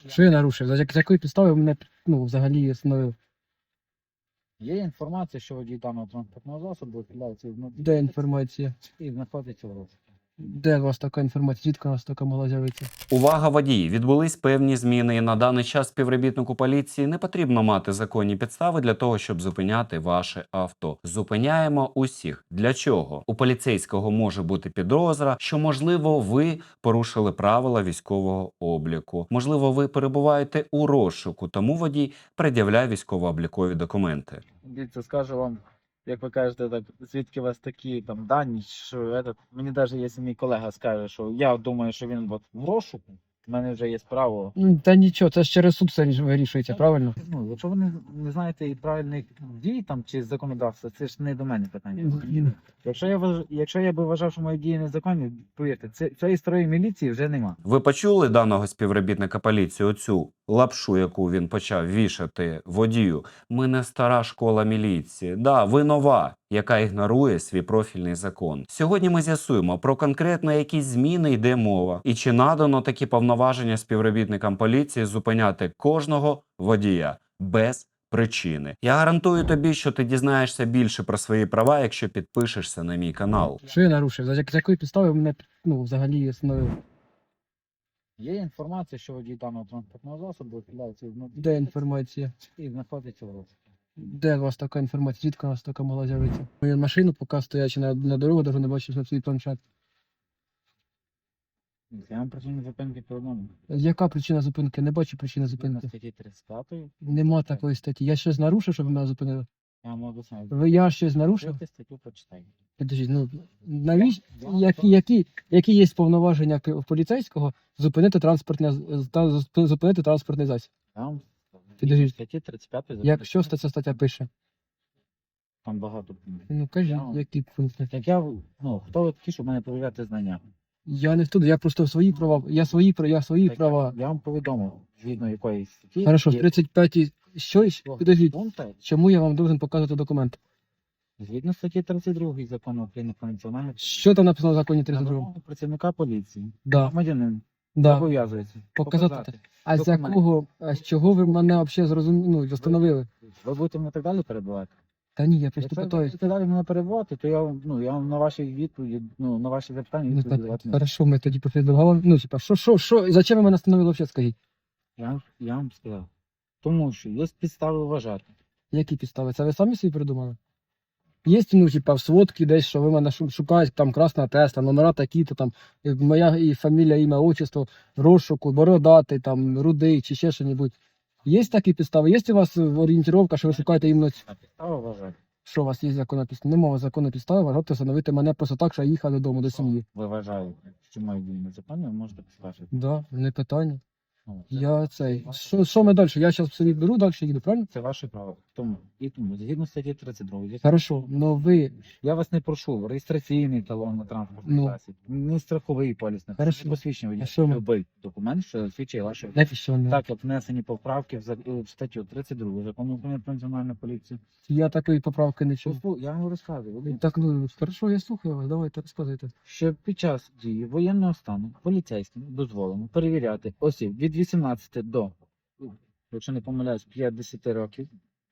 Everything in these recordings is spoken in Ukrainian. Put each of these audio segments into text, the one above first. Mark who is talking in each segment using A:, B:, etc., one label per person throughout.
A: Що я нарушив? За якої підстави мене взагалі остановив?
B: Є інформація, що водій даного транспортного засобу ухиляється від
A: Де інформація?
B: і знаходиться в розшуку.
A: Де у вас така інформація? Звідки у вас така могла з'явитися?
C: Увага, водії! Відбулись певні зміни, і на даний час співробітнику поліції не потрібно мати законні підстави для того, щоб зупиняти ваше авто. Зупиняємо усіх. Для чого? У поліцейського може бути підозра, що, можливо, ви порушили правила військового обліку. Можливо, ви перебуваєте у розшуку, тому водій пред'являє військово-облікові документи.
B: Дивіться, скажу вам, як ви кажете, так, звідки у вас такі там дані, що мені навіть якщо мій колега скаже, що я думаю, що він от в розшуку, в мене вже є право.
A: Та нічого, це ж через суд все вирішується, правильно?
B: Ну, якщо ви не знаєте і правильних дій там чи законодавства, це ж не до мене питання. Якщо я би вважав, що мої дії незаконні, повірте, цієї старої міліції вже нема.
C: Ви почули даного співробітника поліції, оцю лапшу, яку він почав вішати водію? Ми не стара школа міліції. Да, ви нова, яка ігнорує свій профільний закон. Сьогодні ми з'ясуємо, про конкретно які зміни йде мова, і чи надано такі повноваження співробітникам поліції зупиняти кожного водія без причини. Я гарантую тобі, що ти дізнаєшся більше про свої права, якщо підпишешся на мій канал.
A: Що я нарушив? За якої підстави мене взагалі остановив?
B: Є інформація, що водій даного транспортного засобу ухиляється від
A: Де інформація?
B: і знаходиться в розшуку.
A: Де у вас така інформація? Звідки у вас така могла з'явитися? Мою машину, поки стоячи на дорогу, навіть не бачив на свій планшет.
B: Я вам причину зупинки повідомив.
A: Яка причина зупинки? Не бачу причини
B: На
A: зупинки.
B: статті 35
A: Нема такої статті. Я щось нарушив, щоб ви мене зупинили?
B: я вам об'ясняю.
A: Я щось нарушив?
B: Відкрийте статтю, почитайте.
A: Підождіть, навіщо? Які є повноваження поліцейського зупинити зупинити транспортний засіб?
B: Я вам
A: Підождіть.
B: статті 35
A: Якщо ця стаття пише?
B: там багато пунктів.
A: Ну кажіть, які пункти?
B: Як хто ви такі, щоб мене перевіряти знання?
A: Я не туди, я просто свої права. Я свої
B: Так,
A: права.
B: Я вам повідомив, згідно якої статті.
A: Хорошо, в
B: є
A: 35-й. Що? Підождіть.
B: пункти,
A: Чому я вам должен показувати документ?
B: згідно статті 32 закону України про національну
A: Що там написано в законі
B: на
A: 32?
B: вимогу працівника поліції.
A: Да,
B: Громадянин
A: да.
B: зобов'язується
A: Показати. А з
B: документ.
A: якого, а з чого ви мене взагалі встановили?
B: Ви будете мене так далі перебувати?
A: Та ні, я просто
B: Якщо ви
A: питаюсь.
B: будете далі мене перебувати, то я вам на ваші відповіді, на ваші запитання
A: Ну,
B: відповіді
A: так,
B: давати не буду.
A: хорошо, ми тоді після договору. Ну, типа, що, зачем ви мене встановили взагалі, скажіть?
B: Я вам сказав. Тому що є підстави вважати.
A: Які підстави? Це ви самі собі придумали? Є, в сводці десь, що ви мене шукають, там красна Тесла, номера такі-то, там, моя і фамілія, ім'я, отчество, розшуку, бородатий, там, рудий, чи ще що-небудь. Є такі підстави? Є у вас орієнтировка, що ви шукаєте іменно...
B: А підстави вважати.
A: Що у вас є законна підстава? Немає законної підстави, вважати встановити мене просто так, що я їхав додому, до сім'ї.
B: Ви вважаєте, що мої дії незаконні, ви можете поскаржити.
A: Да, не питання.
B: Ну,
A: Я цей. Що ми далі? Я зараз собі беру, далі їду, правильно?
B: Це ваше право. Тому, згідно статті 32.
A: Хорошо, но ви...
B: Я вас не прошу, реєстраційний талон на транспортний
A: Ну.
B: засіб, не страховий поліс, не
A: Хорошо.
B: посвідчення водія.
A: А що ми?
B: Любий документ, що засвідчує ваше.
A: Знаєте, що не?
B: Так, от внесені поправки в статтю 32 закону України про національну поліцію.
A: Я такої поправки не чув.
B: Я вам розказую, Володимир,
A: Так, хорошо, я слухаю вас, давайте розказуйте.
B: що під час дії воєнного стану поліцейським дозволено перевіряти осіб від 18 до, якщо не помиляюсь, 50 років,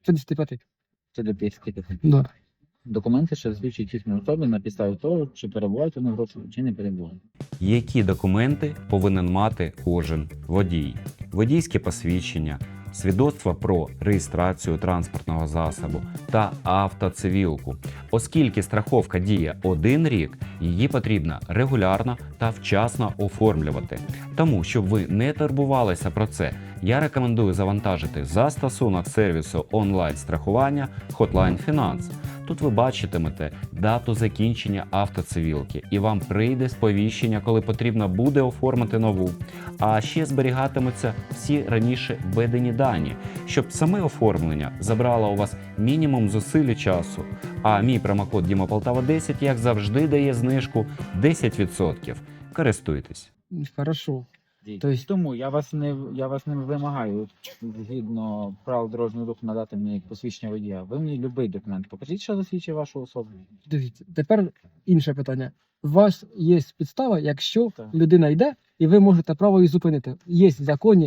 A: 55.
B: це до 55.
A: Да.
B: Документи, що засвідчують їхню особу на підставі того, чи перебувають вони в розшуку, чи не перебувають.
C: Які документи повинен мати кожен водій? Водійське посвідчення, свідоцтво про реєстрацію транспортного засобу та автоцивілку. Оскільки страховка діє 1 рік, її потрібно регулярно та вчасно оформлювати. Тому, щоб ви не турбувалися про це, я рекомендую завантажити застосунок сервісу онлайн-страхування Hotline Finance. Тут ви бачитимете дату закінчення автоцивілки, і вам прийде сповіщення, коли потрібно буде оформити нову. А ще зберігатимуться всі раніше введені дані, щоб саме оформлення забрало у вас мінімум зусиль і часу. А мій промокод DIMAPOLTAVA10, як завжди, дає знижку 10%. Користуйтесь.
A: Хорошо.
B: Тобто, тому я вас не вимагаю згідно правил дорожнього руху надати мені посвідчення водія. Ви мені будь-який документ покажіть, що засвідчує вашу особу.
A: Дивіться, тепер інше питання. У вас є підстава, якщо
B: Так.
A: людина йде, і ви можете право її зупинити. Є в законі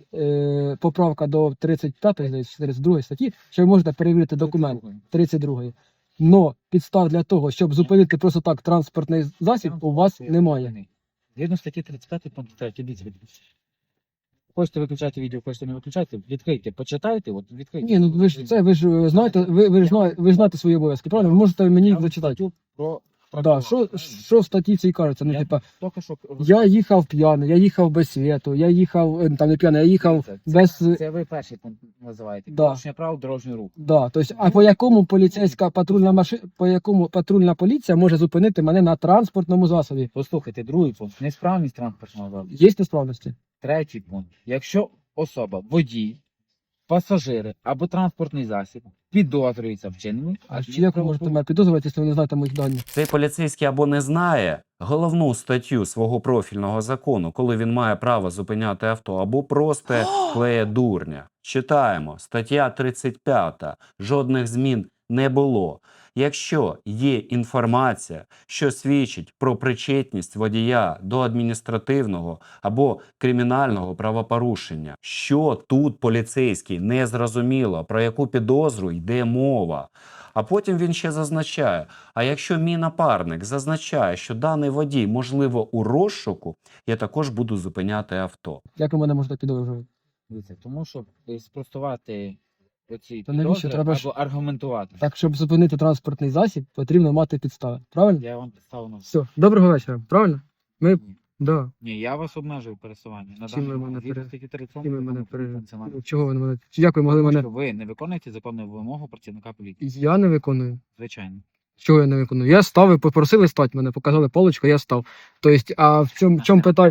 A: поправка до 35 32 статті, що ви можете перевірити документ 32. Но підстав для того, щоб зупинити просто так транспортний засіб, у вас немає.
B: Згідно статті 35 пункт 3, дивіться. Хочете виключати відео, хочете не виключати, відкрийте, почитайте, от відкрийте.
A: Ні, ну ви ж це, ви ж знаєте, ви ж знаєте свої обов'язки, правильно? Ви можете мені їх зачитати.
B: Про
A: Да, що в статті цій кажеться? Ну,
B: Я
A: типа,
B: тільки що
A: я їхав п'яний, я їхав без світу, я їхав, там не п'яний, я їхав без...
B: Це ви перший пункт називаєте.
A: Да.
B: Порушення правил дорожнього руху.
A: Да, тобто, а по якому поліцейська патрульна машина, по якому патрульна поліція може зупинити мене на транспортному засобі?
B: Послухайте, другий пункт. Несправність транспортного засобу.
A: Є несправності?
B: Третій пункт. Якщо особа, водій, пасажири або транспортний засіб підозрюється вчиненні,
A: А чи як ви можете мене підозрювати, якщо ви не знаєте моїх даних?
C: Цей поліцейський або не знає головну статтю свого профільного закону, коли він має право зупиняти авто, або просто клеє дурня. Читаємо. Стаття 35. Жодних змін не було. Якщо є інформація, що свідчить про причетність водія до адміністративного або кримінального правопорушення, що тут поліцейський не зрозуміло, про яку підозру йде мова. А потім він ще зазначає, а якщо мій напарник зазначає, що даний водій, можливо, у розшуку, я також буду зупиняти авто.
A: Як ви мене можете підозрювати?
B: Дивіться, тому щоб спростувати оці
A: Та навіщо?
B: підозри
A: Треба ж-
B: або аргументувати.
A: Так, щоб зупинити транспортний засіб, потрібно мати підстави. Правильно?
B: Я вам підставив на
A: Все, доброго вечора. Правильно? Ми... Да.
B: Ні, я вас обмежую пересування. На
A: Чим ви
B: даний
A: мене
B: момент, згідно
A: пере-
B: статті 37
A: Чим ви мене
B: Закону про
A: пере...
B: національну
A: Ну, чого ви на мене... Як ви могли
B: Тому
A: мене...
B: що ви не виконуєте законну вимогу працівника поліції.
A: Я не виконую.
B: Звичайно.
A: Чого я не виконую? Я став, ви попросили стати мене, показали паличку, я став. Тобто, а в чому питання?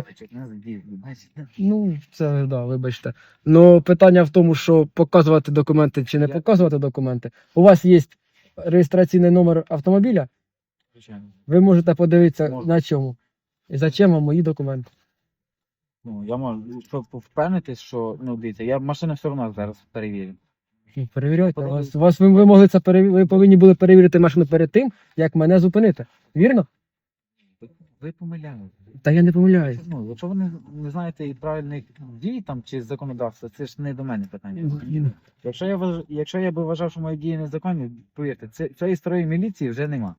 A: Ну, це, да, вибачте. Ну, питання в тому, що показувати документи чи не
B: Я-
A: показувати документи. У вас є реєстраційний номер автомобіля,
B: Звичайно.
A: ви можете подивитися
B: Можна.
A: на чому. І зачем вам мої документи?
B: Ну, я можу, щоб впевнитись, що, ну, дивіться, я машину все одно зараз перевірю.
A: Ну, перевіряйте.
B: Подивіться.
A: Ви могли це ви повинні були перевірити машину перед тим, як мене зупинити. Вірно?
B: Ви помиляєте.
A: Та я не помиляюсь.
B: Ну, якщо ви не знаєте і правильних дій там чи законодавства, це ж не до мене питання.
A: Ну,
B: Якщо я би вважав, що мої дії незаконні, повірте, цієї старої міліції вже нема.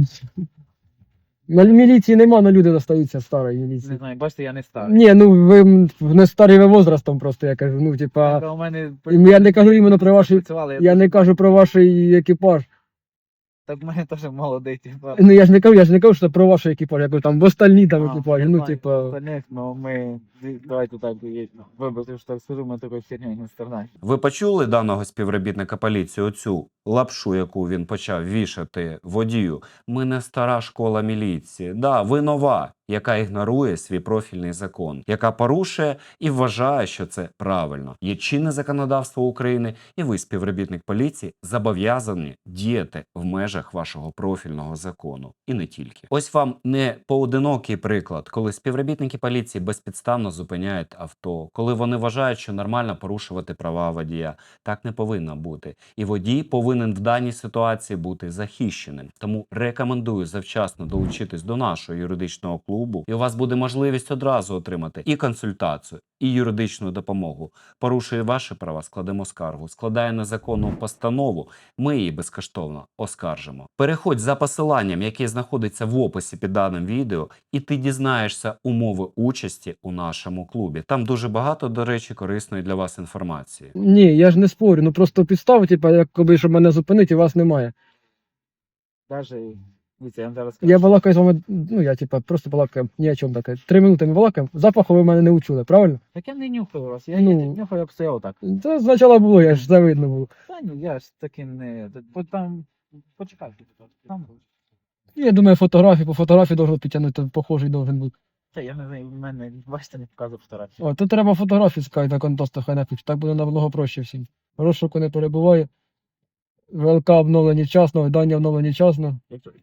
A: На міліції нема, але люди достаються старої міліції.
B: Не знаю, бачите, я не старий.
A: Ні, ну ви не старі ви возрастом просто, я кажу. Ну, типа,
B: У мене
A: я не кажу іменно про ваші,
B: працювали,
A: я не кажу про ваш екіпаж.
B: Так в мене теж молодий, типа.
A: Ну я ж не кажу, що про ваш екіпаж, я кажу там в остальні там екіпажі. Ну, типа,
B: Остальних, ну ми, давайте так, вибачте, що так скажу, ми такою хернею не страдаємо.
C: Ви почули даного співробітника поліції оцю лапшу, яку він почав вішати водію? Ми не стара школа міліції. Да, ви нова, яка ігнорує свій профільний закон, яка порушує і вважає, що це правильно. Є чинне законодавство України, і ви, співробітник поліції, зобов'язані діяти в межах вашого профільного закону. І не тільки. Ось вам не поодинокий приклад, коли співробітники поліції безпідставно зупиняють авто, коли вони вважають, що нормально порушувати права водія. Так не повинно бути. І водій повинен в даній ситуації бути захищеним. Тому рекомендую завчасно долучитись до нашого юридичного клубу, і у вас буде можливість одразу отримати і консультацію, і юридичну допомогу. Порушує ваші права, складемо скаргу. Складає незаконну постанову, ми її безкоштовно оскаржимо. Переходь за посиланням, яке знаходиться в описі під даним відео, і ти дізнаєшся умови участі у нашому клубі. Там дуже багато, до речі, корисної для вас інформації.
A: ні, я ж не спорю, ну просто підстав, типа, якби, щоб мене зупинити, і вас немає.
B: Даже, дивіться, я вам зараз скажу.
A: Я балакаю з вами, ну я типа просто балакаю, ні о чому таке. 3 минути ми балакаємо, запаху ви мене не учули, правильно?
B: Так я не нюхаю вас, я
A: Ну.
B: не нюхаю, як стояв так.
A: Це спочатку було, я ж це видно було.
B: Та ні, я ж таким не. Там, почекайте, там.
A: Я думаю, по фотографії должен підтягнути, похожий должен бути.
B: Та я не знаю, в мене, бачите, не показує фотографію.
A: О, тут треба фотографії скати на контосту, хай напишуть, так буде намного проще всім. Розшуку не перебуває. ВЛК обновлені вчасно, дані обновлені вчасно.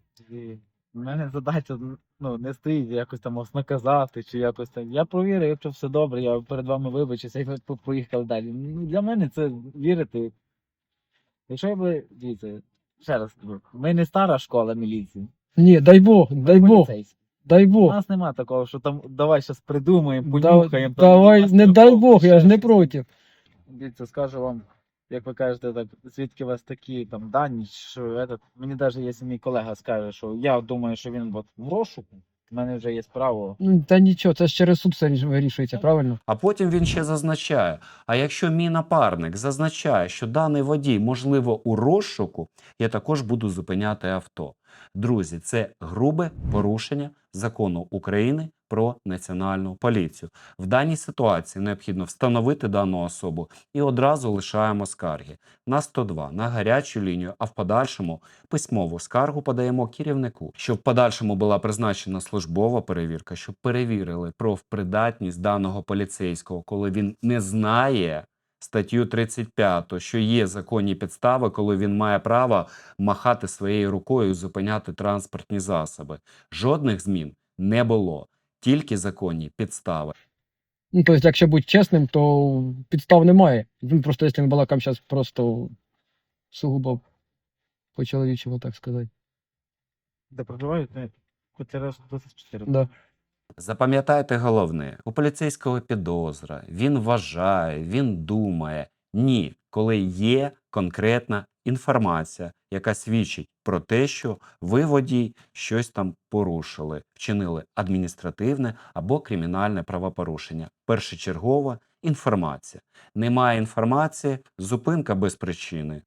B: У мене задача, ну, не стоїть якось там вас наказати, чи якось там. Я провірю, якщо все добре, я перед вами вибачуся і ви поїхали далі. Ну, для мене це вірити. Якщо я би, дивіться, ще раз скажу, ми не стара школа міліції.
A: Ні, дай Бог, дай Бог.
B: Поліцейські.
A: Дай
B: У
A: Бог.
B: нас нема такого, що там давай щас придумаємо,
A: Да-
B: понюхаємо. там,
A: Давай,
B: вас
A: не
B: там
A: дай
B: трохи,
A: Бог, я
B: ще
A: ж не
B: щось.
A: проти.
B: Дивіться, скажу вам, як ви кажете, так, звідки у вас такі там дані, що этот, мені навіть якщо мій колега скаже, що я думаю, що він от в розшуку, в мене вже є право.
A: Ну, та нічого, це ж через суд все вирішується, правильно?
C: А потім він ще зазначає: а якщо мій напарник зазначає, що даний водій, можливо, у розшуку, я також буду зупиняти авто. Друзі, це грубе порушення закону України про національну поліцію. В даній ситуації необхідно встановити дану особу і одразу лишаємо скарги на 102, на гарячу лінію, а в подальшому письмову скаргу подаємо керівнику, щоб в подальшому була призначена службова перевірка, щоб перевірили профпридатність даного поліцейського, коли він не знає статтю 35, що є законні підстави, коли він має право махати своєю рукою і зупиняти транспортні засоби. Жодних змін не було, тільки законні підстави.
A: Ну, тобто, якщо бути чесним, то підстав немає. Він просто, якщо ми балакаємо зараз просто сугубо по-чоловічому, так сказати.
B: Де проживають? Котляревська 24.
A: Да.
C: Запам'ятайте головне, у поліцейського підозра, він вважає, він думає. Ні, коли є конкретна інформація, яка свідчить про те, що ви, водій, щось там порушили, вчинили адміністративне або кримінальне правопорушення. Першочергова інформація. Немає інформації, зупинка без причини.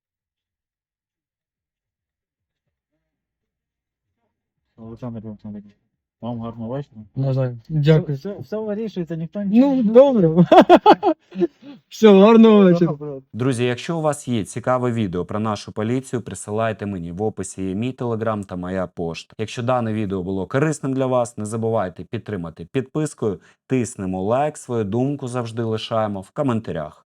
B: Олександр Олександрович, вам гарного вечора.
A: Навзаєм. Дякую.
B: Все вирішується, ніхто нічого
A: Ну, добре. Все, гарного вечора.
C: Друзі, якщо у вас є цікаве відео про нашу поліцію, присилайте мені. В описі є мій телеграм та моя пошта. Якщо дане відео було корисним для вас, не забувайте підтримати підпискою, тиснемо лайк, свою думку завжди лишаємо в коментарях.